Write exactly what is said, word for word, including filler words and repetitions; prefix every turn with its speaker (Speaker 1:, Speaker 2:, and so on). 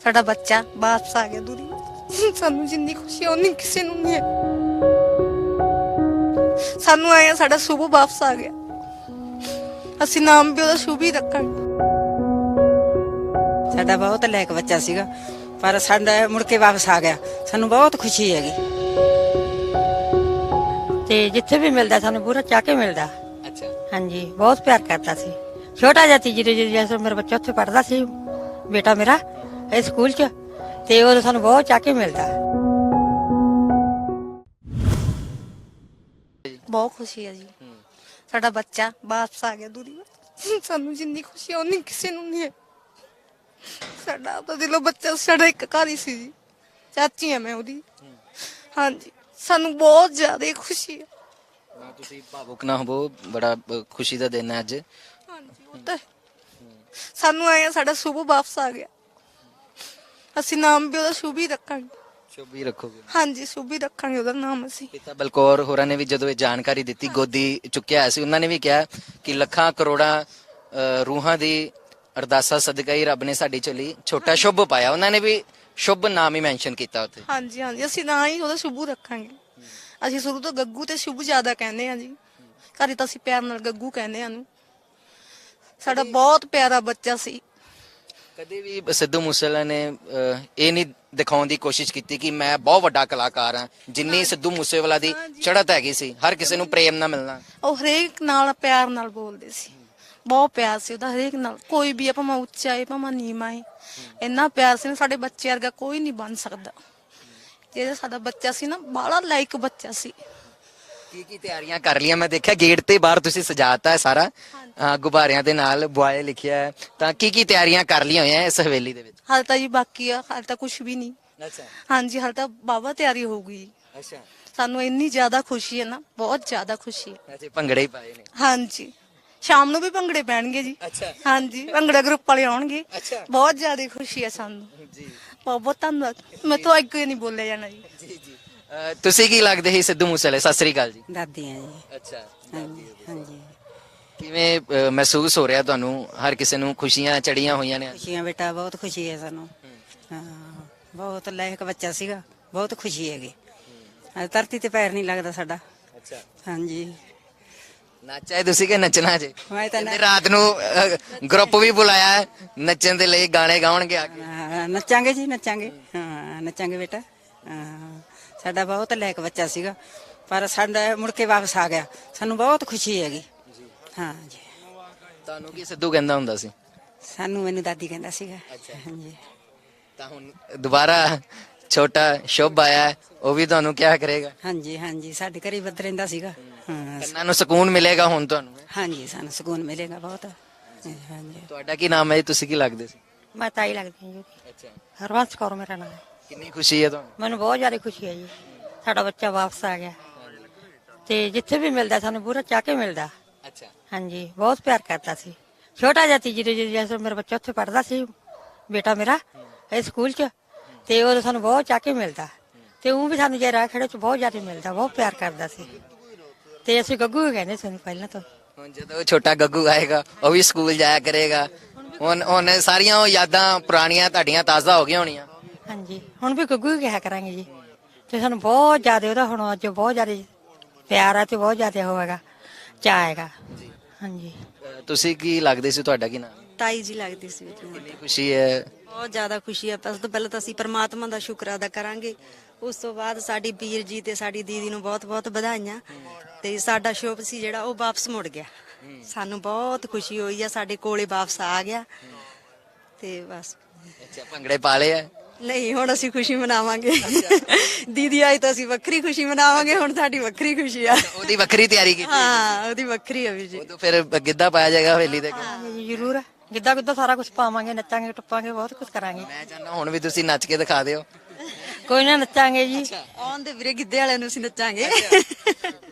Speaker 1: ਸਾਡਾ ਬੱਚਾ ਵਾਪਸ ਆ ਗਿਆ ਦੁਨੀਆ। ਸਾਨੂੰ ਜਿੰਨੀ ਖੁਸ਼ੀ ਆ ਉਨੀ ਕਿਸੇ ਨੂੰ ਨਹੀਂ ਹੈ। ਸਾਨੂੰ ਆਇਆ ਸਾਡਾ ਸ਼ੁਭ ਵਾਪਸ ਆ ਗਿਆ, ਅਸੀਂ ਨਾਮ ਵੀ ਉਹਦਾ ਸ਼ੁਭ ਹੀ ਰੱਖਾਂਗੇ।
Speaker 2: ਸਾਡਾ ਬਹੁਤ ਲਾਇਕ ਬੱਚਾ ਸੀਗਾ, ਪਰ ਸਾਡਾ ਮੁੜ ਕੇ ਵਾਪਸ ਆ ਗਿਆ। ਸਾਨੂੰ ਬਹੁਤ ਖੁਸ਼ੀ ਹੈਗੀ ਤੇ ਜਿੱਥੇ ਵੀ ਮਿਲਦਾ ਸਾਨੂੰ ਪੂਰਾ ਚਾਹ ਕੇ ਮਿਲਦਾ।
Speaker 3: ਅੱਛਾ,
Speaker 2: ਹਾਂਜੀ, ਬਹੁਤ ਪਿਆਰ ਕਰਦਾ ਸੀ। ਛੋਟਾ ਜਿਹਾ ਸੀ ਜਦੋਂ ਜਦੋਂ ਮੇਰਾ ਬੱਚਾ ਉੱਥੇ ਪੜ੍ਹਦਾ ਸੀ, ਬੇਟਾ ਮੇਰਾ ਇਹ ਸਕੂਲ 'ਚ, ਤੇ ਉਹ ਸਾਨੂੰ ਬਹੁਤ ਚਾਹ ਕੇ ਮਿਲਦਾ।
Speaker 1: ਬਹੁਤ ਖੁਸ਼ੀ ਹੈ ਜੀ, ਸਾਡਾ ਬੱਚਾ ਵਾਪਸ ਆ ਗਿਆ ਦੁਨੀਆ। ਸਾਨੂੰ ਜਿੰਨੀ ਖੁਸ਼ੀ ਆ ਉਨੀ ਕਿਸੇ ਨੂੰ ਨਹੀਂ ਹੈ। ਸਾਡਾ ਆਪਦਾ ਦਿਲੋਂ ਬੱਚਾ ਸਾਡਾ ਇੱਕ ਘਰ ਹੀ ਸੀ ਜੀ, ਚਾਚੀ ਆ ਮੈਂ ਉਹਦੀ। ਹਾਂਜੀ, ਸਾਨੂੰ ਬਹੁਤ ਜ਼ਿਆਦਾ ਖੁਸ਼ੀ ਹੈ।
Speaker 3: ਨਾ ਤੁਸੀਂ ਭਾਵੁਕ ਨਾ ਹੋਵੋ, ਬੜਾ ਅ, ਖੁਸ਼ੀ ਦਾ ਦਿਨ ਹੈ ਅੱਜ।
Speaker 1: ਹਾਂਜੀ, ਉਹ ਤਾਂ ਸਾਨੂੰ ਆਇਆ ਸਾਡਾ ਸ਼ੁਭ ਵਾਪਸ ਆ ਗਿਆ, ਅਸੀਂ ਨਾਮ ਵੀ ਉਹਦਾ ਸ਼ੁਭ ਹੀ ਰੱਖਾਂਗੇ।
Speaker 3: ਸ਼ੁਭ ਹੀ ਰੱਖੋਗੇ।
Speaker 1: ਹਾਂਜੀ, ਸ਼ੁਭ ਹੀ ਰੱਖਾਂਗੇ ਉਹਦਾ ਨਾਮ ਅਸੀਂ।
Speaker 3: ਪਿਤਾ ਬਲਕੌਰ ਹੋਰਾਂ ਨੇ ਵੀ ਜਦੋਂ ਇਹ ਜਾਣਕਾਰੀ ਦਿੱਤੀ, ਗੋਦੀ ਚੁੱਕਿਆ ਹੋਇਆ ਸੀ, ਉਹਨਾਂ ਨੇ ਵੀ ਕਿਹਾ ਕਿ ਲੱਖਾਂ ਕਰੋੜਾਂ ਅ, ਰੂਹਾਂ ਦੀ ਅਰਦਾਸਾਂ ਸਦਕਾ ਹੀ ਰੱਬ ਨੇ ਸਾਡੀ ਚੋਲੀ ਛੋਟਾ ਸ਼ੁਭ ਪਾਇਆ। ਉਹਨਾਂ ਨੇ ਵੀ ਸ਼ੁਭ ਨਾਮ ਹੀ ਮੈਂਸ਼ਨ ਕੀਤਾ ਉੱਥੇ।
Speaker 1: ਹਾਂਜੀ ਹਾਂਜੀ, ਅਸੀਂ ਨਾ ਹੀ ਉਹਦਾ ਸ਼ੁਭ ਰੱਖਾਂਗੇ। ਅਸੀਂ ਸ਼ੁਰੂ ਤੋਂ ਗੱਗੂ ਤੇ ਸ਼ੁਭ ਜ਼ਿਆਦਾ ਕਹਿੰਦੇ ਆ ਜੀ, ਘਰੇ ਤਾਂ ਅਸੀਂ ਪਿਆਰ ਨਾਲ ਗੱਗੂ ਕਹਿੰਦੇ ਆ ਨੂੰ। ਸਾਡਾ ਬਹੁਤ ਪਿਆਰਾ ਬੱਚਾ ਸੀ।
Speaker 3: ਕਦੇ ਵੀ ਸਿੱਧੂ ਮੂਸੇਵਾਲਾ ਨੇ ਅ, ਇਹ ਨਹੀਂ ਦਿਖਾਉਣ ਦੀ ਕੋਸ਼ਿਸ਼ ਕੀਤੀ ਕਿ ਮੈਂ ਬਹੁਤ ਵੱਡਾ ਕਲਾਕਾਰ ਹਾਂ। ਜਿੰਨੀ ਸਿੱਧੂ ਮੂਸੇਵਾਲਾ ਦੀ ਚੜ੍ਹਤ ਹੈਗੀ ਸੀ, ਹਰ ਕਿਸੇ ਨੂੰ ਪ੍ਰੇਮ ਨਾਲ ਮਿਲਣਾ।
Speaker 1: ਉਹ ਹਰੇਕ ਨਾਲ ਪਿਆਰ ਨਾਲ ਬੋਲਦੇ ਸੀ, ਬਹੁਤ ਪਿਆਰ ਸੀ ਉਹਦਾ ਹਰੇਕ ਨਾਲ। ਕੋਈ ਵੀ ਆ, ਭਾਵੇਂ ਉੱਚਾ ਹੈ ਭਾਵੇਂ ਨੀਵਾਂ ਹੈ, ਇੰਨਾ ਪਿਆਰ ਸੀ ਨਾ। ਸਾਡੇ ਬੱਚੇ ਵਰਗਾ ਕੋਈ ਨਹੀਂ ਬਣ ਸਕਦਾ। ਜਿਹੜਾ ਸਾਡਾ ਬੱਚਾ ਸੀ ਨਾ, ਬਾਹਲਾ ਲਾਇਕ ਬੱਚਾ ਸੀ।
Speaker 3: ਕੀ ਕੀ ਤਿਆਰੀਆਂ ਕਰ ਲਈਆਂ? ਮੈਂ ਦੇਖਿਆ ਗੇਟ ਤੇ ਬਾਹਰ ਤੁਸੀਂ ਸਜਾਤਾ ਹੈ ਸਾਰਾ ਅ, ਗੁਬਾਰਿਆਂ ਦੇ ਨਾਲ ਬੁਆਏ ਲਿਖਿਆ ਹੈ, ਤਾਂ ਕੀ ਕੀ ਤਿਆਰੀਆਂ ਕਰ ਲਈਆਂ ਹੋਈਆਂ ਇਸ ਹਵੇਲੀ ਦੇ ਵਿੱਚ?
Speaker 1: ਹਾਲੇ ਤਾਂ ਜੀ ਬਾਕੀ ਆ, ਹਾਲੇ ਤਾਂ ਕੁਝ ਵੀ ਨਹੀਂ।
Speaker 3: ਅੱਛਾ
Speaker 1: ਹਾਂਜੀ, ਹਾਲੇ ਤਾਂ ਬਾਵਾ ਤਿਆਰੀ ਹੋਊਗੀ ਜੀ।
Speaker 3: ਅੱਛਾ,
Speaker 1: ਸਾਨੂੰ ਇੰਨੀ ਜ਼ਿਆਦਾ ਖੁਸ਼ੀ ਹੈ ਨਾ, ਬਹੁਤ ਜ਼ਿਆਦਾ ਖੁਸ਼ੀ ਹੈ।
Speaker 3: ਅੱਛਾ, ਭੰਗੜੇ ਹੀ ਪਾਏ ਨੇ।
Speaker 1: ਹਾਂਜੀ, ਸ਼ਾਮ ਨੂੰ ਵੀ ਭੰਗੜੇ ਪੈਣਗੇ ਜੀ।
Speaker 3: ਅੱਛਾ
Speaker 1: ਹਾਂਜੀ, ਭੰਗੜਾ ਗਰੁੱਪ ਵਾਲੇ ਆਉਣਗੇ।
Speaker 3: ਅੱਛਾ
Speaker 1: ਬਹੁਤ ਜ਼ਿਆਦਾ ਖੁਸ਼ੀ ਹੈ ਸਾਨੂੰ।
Speaker 3: ਜੀ
Speaker 1: ਬਹੁਤ ਬਹੁਤ ਧੰਨਵਾਦ, ਮੈਂ ਤੋਂ ਅੱਗੇ ਨਹੀਂ ਬੋਲਿਆ ਜਾਣਾ ਜੀ।
Speaker 3: ਜੀ ਜੀ। ਅ, ਤੁਸੀਂ ਕੀ ਲੱਗਦੇ ਸੀ ਸਿੱਧੂ ਮੂਸੇਵਾਲੇ? ਸਤਿ ਸ੍ਰੀ ਅਕਾਲ ਜੀ।
Speaker 2: ਦਾਦੀਆਂ ਜੀ।
Speaker 3: ਅੱਛਾ,
Speaker 2: ਹਾਂਜੀ ਹਾਂਜੀ,
Speaker 3: ਕਿਵੇਂ ਅ, ਮਹਿਸੂਸ ਹੋ ਰਿਹਾ ਤੁਹਾਨੂੰ? ਹਰ ਕਿਸੇ ਨੂੰ ਖੁਸ਼ੀਆਂ ਚੜੀਆਂ ਹੋਈਆਂ ਨੇ।
Speaker 2: ਖੁਸ਼ੀਆਂ ਬੇਟਾ, ਬਹੁਤ ਖੁਸ਼ੀ ਹੈ ਸਾਨੂੰ। ਹਾਂ, ਬਹੁਤ ਲਾਇਕ ਬੱਚਾ ਸੀਗਾ, ਬਹੁਤ ਖੁਸ਼ੀ ਹੈਗੀ। ਅੱਜ ਧਰਤੀ ਤੇ ਪੈਰ ਨਹੀਂ ਲੱਗਦਾ ਸਾਡਾ।
Speaker 3: ਅੱਛਾ,
Speaker 2: ਹਾਂਜੀ,
Speaker 3: ਨੱਚਿਆ ਤੁਸੀਂ ਕਿ ਨੱਚਣਾ ਜੇ?
Speaker 2: ਮੈਂ ਤਾਂ
Speaker 3: ਕਹਿੰਦੇ ਰਾਤ ਨੂੰ ਗਰੁੱਪ ਵੀ ਬੁਲਾਇਆ ਹੈ ਨੱਚਣ ਦੇ ਲਈ, ਗਾਣੇ ਗਾਉਣਗੇ ਆ ਕੇ।
Speaker 2: ਹਾਂ, ਨੱਚਾਂਗੇ ਜੀ, ਨੱਚਾਂਗੇ। ਹਾਂ, ਨੱਚਾਂਗੇ ਬੇਟਾ। ਹਾਂ, ਸਾਡਾ ਬਹੁਤ ਲਾਇਕ ਬੱਚਾ ਸੀਗਾ, ਪਰ ਸਾਡਾ ਮੁੜ ਕੇ ਵਾਪਸ ਆ ਗਿਆ। ਸਾਨੂੰ ਬਹੁਤ ਖੁਸ਼ੀ ਹੈਗੀ। ਹਾਂ ਜੀ।
Speaker 3: ਤੁਹਾਨੂੰ ਕੀ ਸਿੱਧੂ ਕਹਿੰਦਾ ਹੁੰਦਾ ਸੀ?
Speaker 2: ਸਾਨੂੰ ਮੈਨੂੰ ਦਾਦੀ ਕਹਿੰਦਾ ਸੀਗਾ। ਹਾਂਜੀ,
Speaker 3: ਤਾਂ ਹੁਣ ਦੁਬਾਰਾ ਛੋਟਾ ਸ਼ੁਭ ਆਇਆ ਹੈ, ਉਹ ਵੀ ਤੁਹਾਨੂੰ ਕਿਆ ਕਰੇਗਾ?
Speaker 2: ਹਾਂਜੀ ਹਾਂਜੀ, ਸਾਡੇ ਘਰੇ ਵੱਧ ਰਹਿੰਦਾ ਸੀਗਾ। ਹਾਂ,
Speaker 3: ਕੰਨਾਂ ਨੂੰ ਸਕੂਨ ਮਿਲੇਗਾ ਹੁਣ ਤੁਹਾਨੂੰ।
Speaker 2: ਹਾਂਜੀ, ਸਾਨੂੰ ਸਕੂਨ ਮਿਲੇਗਾ ਬਹੁਤ। ਹਾਂਜੀ,
Speaker 3: ਤੁਹਾਡਾ ਕੀ ਨਾਮ ਹੈ ਜੀ? ਤੁਸੀਂ ਕੀ ਲੱਗਦੇ ਸੀ?
Speaker 2: ਮੈਂ ਤਾਈ ਲੱਗਦੀ ਹਾਂ ਜੀ।
Speaker 3: ਅੱਛਾ,
Speaker 2: ਹਰਵੰਸ ਕੌਰ ਮੇਰਾ ਨਾਮ ਹੈ।
Speaker 3: ਕਿੰਨੀ ਖੁਸ਼ੀ ਹੈ ਤੁਹਾਨੂੰ?
Speaker 2: ਮੈਨੂੰ ਬਹੁਤ ਜ਼ਿਆਦਾ ਖੁਸ਼ੀ ਹੈ ਜੀ, ਸਾਡਾ ਬੱਚਾ ਵਾਪਸ ਆ ਗਿਆ। ਤੇ ਜਿੱਥੇ ਵੀ ਮਿਲਦਾ ਸਾਨੂੰ ਪੂਰਾ ਚਾਹ ਕੇ ਮਿਲਦਾ।
Speaker 3: ਅੱਛਾ,
Speaker 2: ਹਾਂਜੀ, ਬਹੁਤ ਪਿਆਰ ਕਰਦਾ ਸੀ। ਛੋਟਾ ਜਿਹਾ ਸੀ ਜਦੋਂ ਜਦੋਂ ਮੇਰਾ ਬੱਚਾ ਉੱਥੇ ਪੜ੍ਹਦਾ ਸੀ, ਬੇਟਾ ਮੇਰਾ ਇਹ ਸਕੂਲ 'ਚ, ਤੇ ਉਹ ਸਾਨੂੰ ਬਹੁਤ ਚਾਹ ਕੇ ਮਿਲਦਾ। ਤੇ ਉਹ ਵੀ ਸਾਨੂੰ ਜੇ ਰਾਹ ਖੜੇ 'ਚ ਬਹੁਤ ਜ਼ਿਆਦਾ ਮਿਲਦਾ, ਬਹੁਤ ਪਿਆਰ ਕਰਦਾ ਸੀ। ਤੇ ਅਸੀਂ ਗੱਗੂ ਹੀ ਕਹਿੰਦੇ ਸਾਨੂੰ ਪਹਿਲਾਂ ਤੋਂ।
Speaker 3: ਹੁਣ ਜਦੋਂ ਛੋਟਾ ਗੱਗੂ ਆਏਗਾ, ਉਹ ਵੀ ਸਕੂਲ ਜਾਇਆ ਕਰੇਗਾ। ਹੁਣ ਹੁਣ ਸਾਰੀਆਂ ਉਹ ਯਾਦਾਂ ਪੁਰਾਣੀਆਂ ਤੁਹਾਡੀਆਂ ਤਾਜ਼ਾ ਹੋ ਗਈਆਂ ਹੋਣੀਆਂ।
Speaker 2: ਹਾਂਜੀ, ਹੁਣ ਵੀ ਗੱਗੂ ਹੀ ਕਿਹਾ ਕਰਾਂਗੇ ਜੀ। ਤੇ ਸਾਨੂੰ ਬਹੁਤ ਜ਼ਿਆਦਾ ਉਹਦਾ ਹੁਣ ਅੱਜ ਬਹੁਤ ਜ਼ਿਆਦਾ ਪਿਆਰ ਆ, ਤੇ ਬਹੁਤ ਜ਼ਿਆਦਾ ਹੋਵੇਗਾ, ਚਾਅ ਹੈਗਾ। ਹਾਂਜੀ,
Speaker 3: ਅ, ਤੁਸੀਂ ਕੀ ਲੱਗਦੇ ਸੀ? ਤੁਹਾਡਾ ਕੀ ਨਾਮ?
Speaker 4: ਤਾਈ ਜੀ ਲੱਗਦੀ ਸੀ ਮੈਨੂੰ।
Speaker 3: ਕਿੰਨੀ ਖੁਸ਼ੀ ਹੈ?
Speaker 4: ਬਹੁਤ ਜ਼ਿਆਦਾ ਖੁਸ਼ੀ ਹੈ। ਸਭ ਤੋਂ ਪਹਿਲਾਂ ਤਾਂ ਅਸੀਂ ਪਰਮਾਤਮਾ ਦਾ ਸ਼ੁਕਰ ਅਦਾ ਕਰਾਂਗੇ। ਉਸ ਤੋਂ ਬਾਅਦ ਸਾਡੀ ਵੀਰ ਜੀ ਤੇ ਸਾਡੀ ਦੀਦੀ ਨੂੰ ਬਹੁਤ ਬਹੁਤ ਵਧਾਈਆਂ। ਤੇ ਸਾਡਾ ਸ਼ੁਭ ਸੀ ਜਿਹੜਾ ਉਹ ਵਾਪਸ ਮੁੜ ਗਿਆ। ਸਾਨੂੰ ਬਹੁਤ ਖੁਸ਼ੀ ਹੋਈ ਆ, ਸਾਡੇ ਕੋਲੇ ਵਾਪਸ ਆ ਗਿਆ। ਤੇ ਬਸ।
Speaker 3: ਅੱਛਾ, ਭੰਗੜੇ ਪਾ ਲਏ ਆ?
Speaker 4: ਨਹੀਂ, ਹੁਣ ਅਸੀਂ ਖੁਸ਼ੀ ਮਨਾਵਾਂਗੇ। ਦੀਦੀ ਆਈ ਤਾਂ ਅਸੀਂ ਵੱਖਰੀ ਖੁਸ਼ੀ ਮਨਾਵਾਂਗੇ, ਹੁਣ ਸਾਡੀ ਵੱਖਰੀ ਖੁਸ਼ੀ ਆ।
Speaker 3: ਉਹਦੀ ਵੱਖਰੀ ਤਿਆਰੀ ਕੀਤੀ?
Speaker 4: ਹਾਂ, ਉਹਦੀ ਵੱਖਰੀ ਆ ਵੀਰ ਜੀ।
Speaker 3: ਉਦੋਂ ਫਿਰ ਗਿੱਧਾ ਪਾਇਆ ਜਾਏਗਾ ਹਵੇਲੀ ਤੇ?
Speaker 2: ਜੀ ਜ਼ਰੂਰ, ਗਿੱਧਾ ਗੁੱਧਾ ਸਾਰਾ ਕੁਝ ਪਾਵਾਂਗੇ, ਨੱਚਾਂਗੇ ਟੱਪਾਂਗੇ, ਬਹੁਤ ਕੁਝ ਕਰਾਂਗੇ।
Speaker 3: ਮੈਂ ਚਾਹੁੰਦਾ ਹੁਣ ਵੀ ਤੁਸੀਂ ਨੱਚ ਕੇ ਦਿਖਾ ਦਿਓ।
Speaker 2: ਕੋਈ ਨਾ, ਨੱਚਾਂਗੇ ਜੀ।
Speaker 4: ਆਉਣ ਦੇ ਵੀਰੇ, ਗਿੱਧੇ ਵਾਲਿਆਂ ਨੂੰ ਅਸੀਂ ਨੱਚਾਂਗੇ।